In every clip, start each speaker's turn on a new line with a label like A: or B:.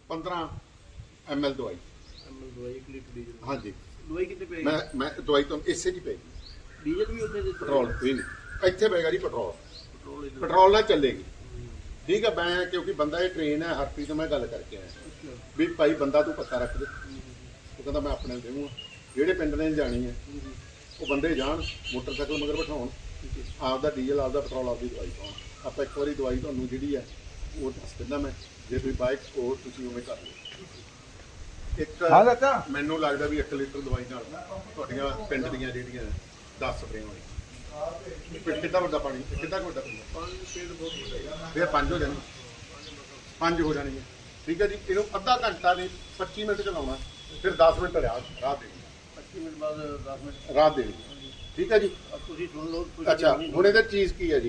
A: 15 ml ਦਵਾਈ।
B: ਦਵਾਈ 1 litre diesel?
A: ਹਾਂਜੀ।
B: ਦਵਾਈ ਕਿੱਥੇ ਪਏਗੀ?
A: ਮੈਂ ਦਵਾਈ ਤੁਹਾਨੂੰ ਇਸੇ ਦੀ ਪਏਗੀ।
B: ਡੀਜ਼ਲ ਵੀ ਉੱਥੇ
A: ਪੈਟਰੋਲ ਵੀ ਨਹੀਂ, ਇੱਥੇ ਪਏਗਾ ਜੀ ਪੈਟਰੋਲ। ਪੈਟਰੋਲ ਨਾਲ ਚੱਲੇਗੀ, ਠੀਕ ਹੈ। ਮੈਂ ਕਿਉਂਕਿ ਬੰਦਾ ਇਹ ਟ੍ਰੇਨ ਹੈ, ਹਰਪ੍ਰੀਤ ਤੋਂ ਮੈਂ ਗੱਲ ਕਰਕੇ ਆਇਆ ਵੀ ਭਾਈ ਬੰਦਾ ਤੂੰ ਪੱਕਾ ਰੱਖ ਦੇ। ਉਹ ਕਹਿੰਦਾ ਮੈਂ ਆਪਣੇ ਦੇਵਾਂ, ਜਿਹੜੇ ਪਿੰਡ ਨੇ ਜਾਣੀ ਹੈ ਉਹ ਬੰਦੇ ਜਾਣ, ਮੋਟਰਸਾਈਕਲ ਮਗਰ ਬਿਠਾਉਣ, ਆਪਦਾ ਡੀਜ਼ਲ ਆਪਦਾ ਪੈਟਰੋਲ ਆਪਦੀ ਦਵਾਈ ਪਾਉਣ। ਆਪਾਂ ਇੱਕ ਵਾਰੀ ਦਵਾਈ ਤੁਹਾਨੂੰ ਜਿਹੜੀ ਹੈ ਉਹ ਦੱਸ ਦਿੰਦਾ ਮੈਂ, ਜੇ ਤੁਸੀਂ ਬਾਈਕ ਉਹ ਤੁਸੀਂ ਉਵੇਂ ਕਰ ਲਓ। ਇੱਕ ਮੈਨੂੰ ਲੱਗਦਾ ਵੀ 1 ਲੀਟਰ ਦਵਾਈ ਨਾਲ ਤੁਹਾਡੀਆਂ ਪਿੰਡ ਦੀਆਂ ਜਿਹੜੀਆਂ 10 ਸਪਰੇਆਂ ਹੋਈ। ਕਿੰਨਾ ਵੱਡਾ ਪਾਣੀ, ਕਿੰਨਾ ਵੱਡਾ ਪਾਣੀ? ਫਿਰ 5 ਹੋ ਜਾਣੀ, 5 ਹੋ ਜਾਣੀ ਹੈ, ਠੀਕ ਹੈ ਜੀ। ਇਹਨੂੰ ਅੱਧਾ ਘੰਟਾ ਨਹੀਂ 25 ਮਿੰਟ ਚਲਾਉਣਾ, ਫਿਰ 10 ਮਿੰਟ ਰਾਤ ਦੇਣੀ, 25 ਮਿੰਟ ਬਾਅਦ 10 ਮਿੰਟ ਰਾਤ ਦੇਣੀ, ਠੀਕ ਹੈ ਜੀ। ਤੁਸੀਂ ਸੁਣ ਲਓ। ਅੱਛਾ, ਹੁਣ ਇਹਦੇ ਚੀਜ਼ ਕੀ ਹੈ ਜੀ?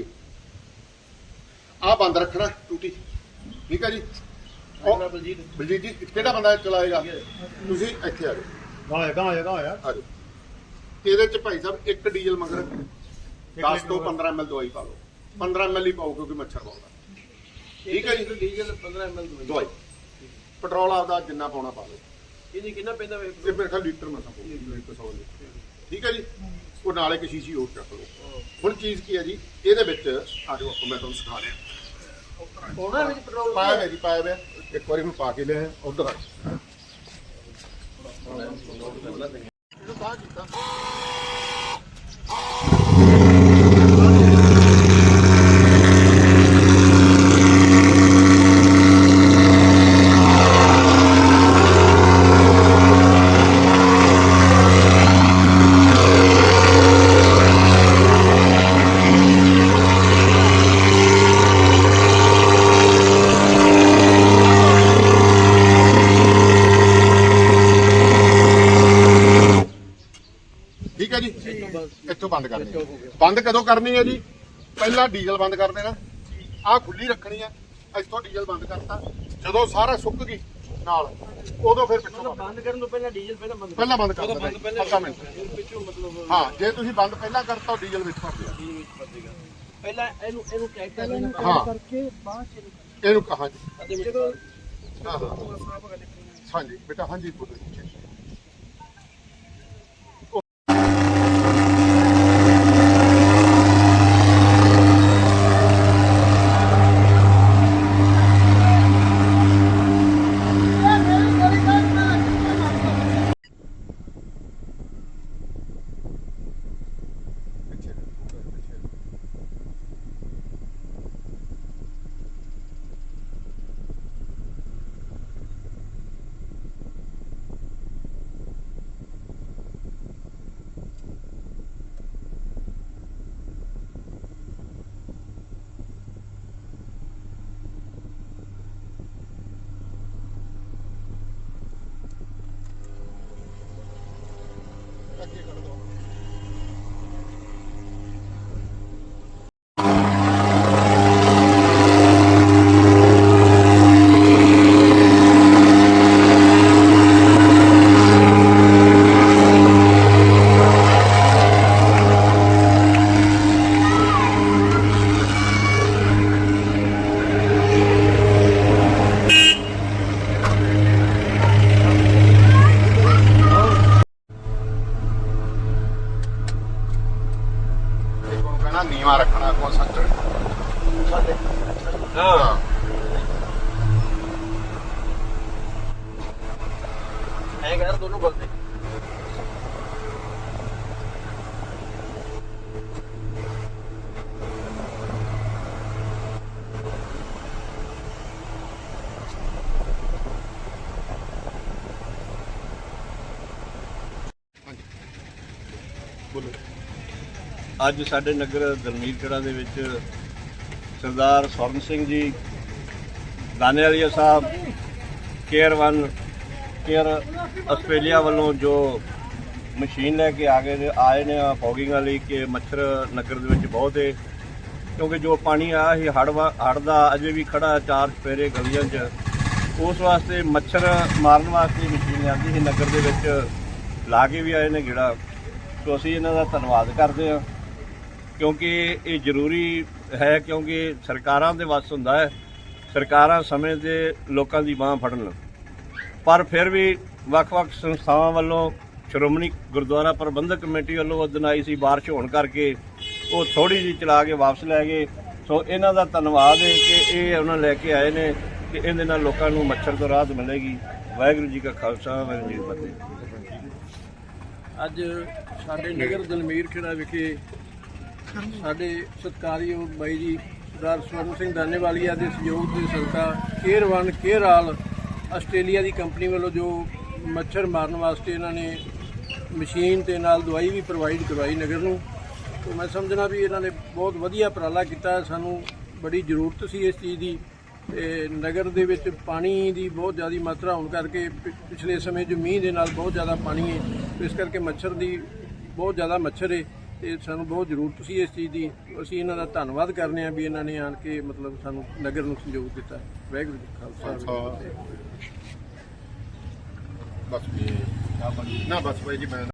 A: ਆਹ ਬੰਦ ਰੱਖਣਾ ਟੂਟੀ, ਠੀਕ ਹੈ ਜੀ। ਬਲਜੀਤ ਜੀ ਕਿਹੜਾ ਬੰਦਾ ਚਲਾਏਗਾ? ਤੁਸੀਂ ਇੱਥੇ ਆ ਜਾਓ। ਗਾਂ ਹੋਇਆ ਇਹਦੇ ਚ ਭਾਈ ਸਾਹਿਬ ਇੱਕ ਡੀਜ਼ਲ ਮਗਰ 10 ਤੋਂ 15 ml ਦਵਾਈ ਪਾ ਲਓ। 15 ml ਹੀ ਪਾਓ ਕਿਉਂਕਿ ਮੱਛਰ ਪਾਉਂਦਾ, ਠੀਕ ਹੈ ਜੀ। ਡੀਜ਼ਲ 15 ml ਦਵਾਈ, ਪੈਟਰੋਲ ਆਪਦਾ ਜਿੰਨਾ ਪਾਉਣਾ ਪਾ ਲਓ। ਇਹਦੀ ਕਿੰਨਾ ਪੈਂਦਾ? ਇਹ ਮੇਰੇ ਖਿਆਲ ਲੀਟਰ ਮਸਾਂ ਪਾਓ, ਠੀਕ ਹੈ ਜੀ। ਉਹ ਨਾਲ ਇੱਕ ਸ਼ੀਸ਼ੀ ਹੋਰ ਚੱਕ ਲਓ। ਹੁਣ ਚੀਜ਼ ਕੀ ਹੈ ਜੀ ਇਹਦੇ ਵਿੱਚ? ਆ ਜਾਓ, ਆਪਾਂ ਮੈਂ ਤੁਹਾਨੂੰ ਸਿਖਾ ਰਿਹਾ। ਉਹਨਾਂ ਵਿੱਚ ਪੈਟਰੋਲ ਪਾਇਆ ਹੋਇਆ ਜੀ, ਪਾਇਆ ਹੋਇਆ। ਇੱਕ ਵਾਰੀ ਹੁਣ ਪਾ ਕੇ ਲਿਆ ਉਧਰ ਆ ਇਹਨੂੰ ਬਾਹਰ ਕੀਤਾ। ਠੀਕ ਹੈ ਜੀ, ਇੱਥੋਂ ਬੰਦ ਕਰਨੀ। ਬੰਦ ਕਦੋਂ ਕਰਨੀ ਹੈ ਜੀ? ਪਹਿਲਾਂ ਡੀਜ਼ਲ ਬੰਦ ਕਰ ਦੇਣਾ, ਆਹ ਖੁੱਲੀ ਰੱਖਣੀ ਹੈ। ਇੱਥੋਂ ਡੀਜ਼ਲ ਬੰਦ ਕਰਤਾ, ਜਦੋਂ ਸਾਰਾ ਸੁੱਕ ਗਈ ਨਾਲ ਉਦੋਂ ਫਿਰ ਪਿੱਛੋਂ ਬੰਦ ਕਰਨ ਤੋਂ ਪਹਿਲਾਂ ਡੀਜ਼ਲ ਪਹਿਲਾਂ ਬੰਦ ਕਰ ਦੇਣਾ, ਅੱਧਾ ਮਿੰਟ ਪਿੱਛੋਂ। ਮਤਲਬ ਹਾਂ, ਜੇ ਤੁਸੀਂ ਬੰਦ ਪਹਿਲਾਂ ਕਰਤਾ ਡੀਜ਼ਲ ਵਿੱਚ ਭਰ ਦਿਆ। ਪਹਿਲਾਂ ਇਹਨੂੰ ਚੈੱਕ ਕਰ ਲੈਣਾ ਕਰਕੇ ਬਾਅਦ ਚ ਇਹਨੂੰ ਕਹਾਂ ਜੀ। ਹਾਂ ਹਾਂਜੀ ਬੇਟਾ, ਹਾਂਜੀ ਬੋਲੋ। नीवा रखना को सच हाँ है दोनों बोलते बोलो।
B: ਅੱਜ ਸਾਡੇ ਨਗਰ ਦਲਮੀਰਕੜਾ ਦੇ ਵਿੱਚ ਸਰਦਾਰ ਸਵਰਨ ਸਿੰਘ ਜੀ ਦਾਨੇਵਾਲੀਆ ਸਾਹਿਬ ਕੇਅਰ ਆਸਟ੍ਰੇਲੀਆ ਵੱਲੋਂ ਜੋ ਮਸ਼ੀਨ ਲੈ ਕੇ ਆਏ ਨੇ ਫੌਗਿੰਗ ਵਾਲੀ ਕਿ ਮੱਛਰ ਨਗਰ ਦੇ ਵਿੱਚ ਬਹੁਤ ਹੈ, ਕਿਉਂਕਿ ਜੋ ਪਾਣੀ ਆਇਆ ਸੀ ਹੜ੍ਹ ਦਾ ਅਜੇ ਵੀ ਖੜਾ 4 ਚੁਫੇਰੇ ਗਲੀਆਂ 'ਚ, ਉਸ ਵਾਸਤੇ ਮੱਛਰ ਮਾਰਨ ਵਾਸਤੇ ਮਸ਼ੀਨ ਲਿਆਂਦੀ ਸੀ ਨਗਰ ਦੇ ਵਿੱਚ, ਲਾ ਕੇ ਵੀ ਆਏ ਨੇ ਗੇੜਾ। ਸੋ ਅਸੀਂ ਇਹਨਾਂ ਦਾ ਧੰਨਵਾਦ ਕਰਦੇ ਹਾਂ, ਕਿਉਂਕਿ ਇਹ ਜ਼ਰੂਰੀ ਹੈ, ਕਿਉਂਕਿ ਸਰਕਾਰਾਂ ਦੇ ਵੱਸ ਹੁੰਦਾ ਹੈ, ਸਰਕਾਰਾਂ ਸਮੇਂ 'ਤੇ ਲੋਕਾਂ ਦੀ ਬਾਂਹ ਫੜਨ। ਪਰ ਫਿਰ ਵੀ ਵੱਖ-ਵੱਖ ਸੰਸਥਾਵਾਂ ਵੱਲੋਂ ਸ਼੍ਰੋਮਣੀ ਗੁਰਦੁਆਰਾ ਪ੍ਰਬੰਧਕ ਕਮੇਟੀ ਵੱਲੋਂ ਉਹ ਦਿਨ ਆਈ ਸੀ ਬਾਰਿਸ਼ ਹੋਣ ਕਰਕੇ ਉਹ ਥੋੜੀ ਜਿਹੀ ਚਲਾ ਕੇ ਵਾਪਸ ਲੈ ਗਏ। ਸੋ ਇਹਨਾਂ ਦਾ ਧੰਨਵਾਦ ਹੈ ਕਿ ਇਹ ਉਹਨਾਂ ਲੈ ਕੇ ਆਏ ਨੇ ਕਿ ਇਹਦੇ ਨਾਲ ਲੋਕਾਂ ਨੂੰ ਮੱਛਰ ਤੋਂ ਰਾਹਤ ਮਿਲੇਗੀ। ਵਾਹਿਗੁਰੂ ਜੀ ਕਾ ਖਾਲਸਾ ਵਾਹਿਗੁਰੂ ਜੀ ਕੀ ਫਤਿਹ।
C: ਅੱਜ ਸਾਡੇ ਨਗਰ ਦਲਮੀਰ ਖੇੜਾ ਵਿਖੇ ਸਾਡੇ ਸਤਿਕਾਰਯੋਗ ਬਾਈ ਜੀ ਸਰਦਾਰ ਸਵਰਨ ਸਿੰਘ ਦਾਨੇਵਾਲੀਆ ਦੇ ਸਹਿਯੋਗ ਦੇ ਸਦਕਾ ਕੇਅਰ 1 ਕੇਅਰ ਆਲ ਆਸਟ੍ਰੇਲੀਆ ਦੀ ਕੰਪਨੀ ਵੱਲੋਂ ਜੋ ਮੱਛਰ ਮਾਰਨ ਵਾਸਤੇ ਇਹਨਾਂ ਨੇ ਮਸ਼ੀਨ ਤੇ ਨਾਲ ਦਵਾਈ ਵੀ ਪ੍ਰੋਵਾਈਡ ਕਰਵਾਈ ਨਗਰ ਨੂੰ। तो मैं समझना भी इन्होंने बहुत वधिया उपराला किया। सानू बड़ी जरूरत सी इस चीज़ की। ते नगर दे विच पानी की बहुत ज़्यादा मात्रा होने करके पिछले समय जो मींह दे नाल बहुत ज़्यादा पानी है, तो इस करके मच्छर की बहुत ज़्यादा मच्छर है। तो सानू बहुत जरूरत सी इस चीज़ की। असीं इन्हां दा धन्नवाद करने भी इन्होंने आन के मतलब सानू नगर नूं सहयोग दिता। वाहिगुरू जी का खालसा।
A: बस ना बस भाई जी मैं